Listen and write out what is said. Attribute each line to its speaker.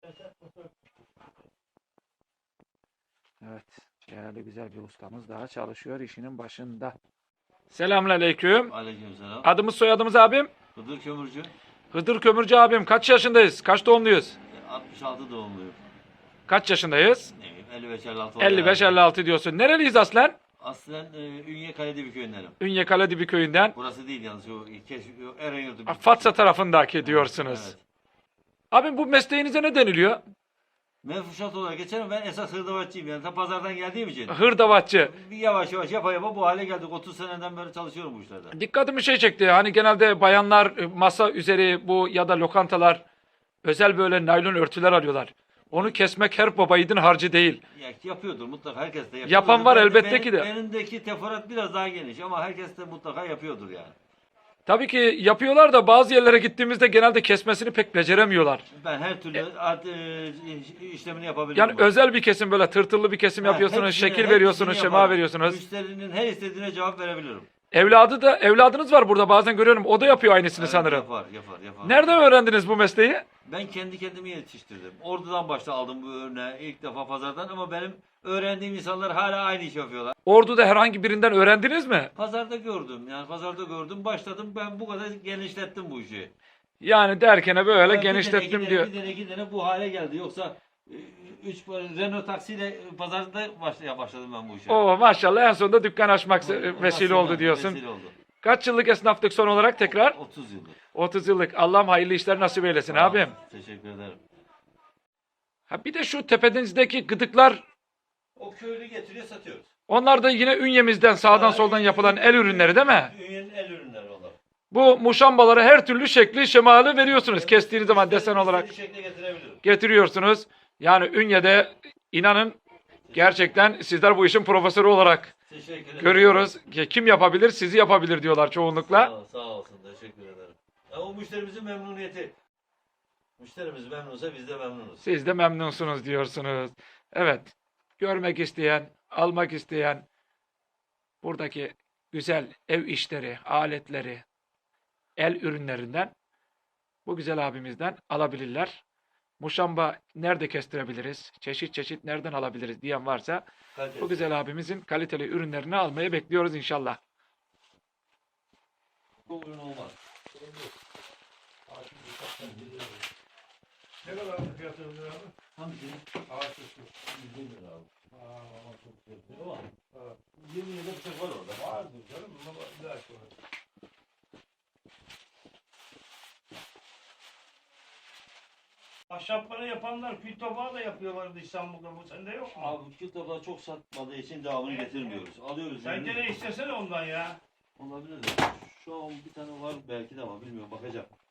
Speaker 1: Evet. Değerli güzel bir ustamız daha çalışıyor işinin başında. Selamünaleyküm.
Speaker 2: Aleykümselam.
Speaker 1: Adımız soyadımız abim?
Speaker 2: Hıdır Kömürcü.
Speaker 1: Hıdır Kömürcü abim. Kaç yaşındayız? Kaç doğumluyuz?
Speaker 2: 66 doğumluyum.
Speaker 1: Kaç yaşındayız?
Speaker 2: Ne bileyim 55-56
Speaker 1: 55-56 diyorsun. Nereliyiz aslen?
Speaker 2: Aslen Ünye Kaledibi köyündenim.
Speaker 1: Ünye Kaledibi köyünden.
Speaker 2: Burası değil yalnız o Erenyurt'u.
Speaker 1: Fatsa tarafındaki diyorsunuz.
Speaker 2: Evet.
Speaker 1: Abim bu mesleğinize ne deniliyor?
Speaker 2: Menfuşat olarak geçerim, ben esas hırdavatçıyım yani ta pazardan geldiğim için.
Speaker 1: Hırdavatçı.
Speaker 2: Bir yavaş yavaş yapa bu hale geldik. 30 seneden beri çalışıyorum bu işlerde.
Speaker 1: Dikkatimi şey çekti. Hani genelde bayanlar masa üzeri bu ya da lokantalar özel böyle naylon örtüler alıyorlar. Onu kesmek her baba yiğidin harcı değil.
Speaker 2: Ya, yapıyordur mutlaka, herkes de yapıyordur.
Speaker 1: Yapan var elbette ki de.
Speaker 2: Benimdeki teferruat biraz daha geniş ama herkes de mutlaka yapıyordur yani.
Speaker 1: Tabii ki yapıyorlar da bazı yerlere gittiğimizde genelde kesmesini pek beceremiyorlar.
Speaker 2: Ben her türlü işlemini yapabilirim.
Speaker 1: Yani özel bir kesim böyle tırtıllı bir kesim yapıyorsunuz,
Speaker 2: hepsini
Speaker 1: şekil veriyorsunuz,
Speaker 2: yaparım.
Speaker 1: şema veriyorsunuz.
Speaker 2: Müşterinin her istediğine cevap verebilirim.
Speaker 1: Evladınız var burada bazen görüyorum. O da yapıyor aynısını
Speaker 2: Evet,
Speaker 1: sanırım.
Speaker 2: Yapar.
Speaker 1: Nereden öğrendiniz bu mesleği?
Speaker 2: Ben kendi kendimi yetiştirdim. Ordu'dan başta aldım bu örneği ilk defa pazardan ama benim öğrendiğim insanlar hala aynı iş yapıyorlar.
Speaker 1: Ordu'da herhangi birinden öğrendiniz mi?
Speaker 2: Pazarda gördüm. Başladım, ben bu kadar genişlettim bu işi.
Speaker 1: Yani derkene böyle
Speaker 2: Ben
Speaker 1: genişlettim diyor.
Speaker 2: Bir tane bu hale geldi. Yoksa Renault taksiyle pazarda başladım ben bu işe.
Speaker 1: Oo maşallah en sonunda dükkan açmak vesile oldu diyorsun.
Speaker 2: Vesile oldu.
Speaker 1: Kaç yıllık esnaflık son olarak tekrar?
Speaker 2: 30 yıldır.
Speaker 1: 30 yıllık. Allah'ım hayırlı işler nasip eylesin
Speaker 2: Sağ ol,
Speaker 1: abim.
Speaker 2: Teşekkür ederim.
Speaker 1: Ha bir de şu tepenizdeki gıdıklar,
Speaker 2: O köylü getiriyor, satıyoruz.
Speaker 1: onlar da yine ünyemizden sağdan soldan yapılan el ürünleri değil mi?
Speaker 2: Ünyenin el ürünleri onlar.
Speaker 1: Bu muşambalara her türlü şekli şemali veriyorsunuz. Kestiğiniz zaman desen olarak
Speaker 2: İstediği şekle getirebilirim.
Speaker 1: getiriyorsunuz. Yani Ünye'de inanın gerçekten sizler bu işin profesörü olarak
Speaker 2: Teşekkür ederim.
Speaker 1: görüyoruz. Kim yapabilir? Sizi yapabilir diyorlar çoğunlukla.
Speaker 2: Sağ olsun, teşekkür ederim. Ya, o müşterimizin memnuniyeti. Müşterimiz memnunsa biz de memnunuz.
Speaker 1: Siz de memnunsunuz diyorsunuz. Evet. Görmek isteyen, almak isteyen buradaki güzel ev işleri, aletleri, el ürünlerinden bu güzel abimizden alabilirler. Muşamba nerede kestirebiliriz? Çeşit çeşit nereden alabiliriz diyen varsa
Speaker 2: Kaliteli.
Speaker 1: bu güzel abimizin kaliteli ürünlerini almaya bekliyoruz inşallah.
Speaker 2: Bu ürün olmaz.
Speaker 3: Ne kadar fiyatı ürünler abi?
Speaker 2: Hangisi?
Speaker 3: Ağaç üstü.
Speaker 2: 100 lira abi.
Speaker 3: Ama çok güzel.
Speaker 2: Değil mi?
Speaker 3: Evet.
Speaker 2: 20 lira bıçak var orada.
Speaker 3: Vardır canım ama bir dakika. Ahşapları yapanlar kül tabağı da yapıyorlardı İstanbul'da. Bu sende yok mu?
Speaker 2: Abi kül tabağı çok satmadığı için devamını getirmiyoruz. Alıyoruz.
Speaker 3: Sen
Speaker 2: yani.
Speaker 3: gene istesene ondan ya.
Speaker 2: Olabilir de. Şu an bir tane var belki de ama bilmiyorum, bakacağım.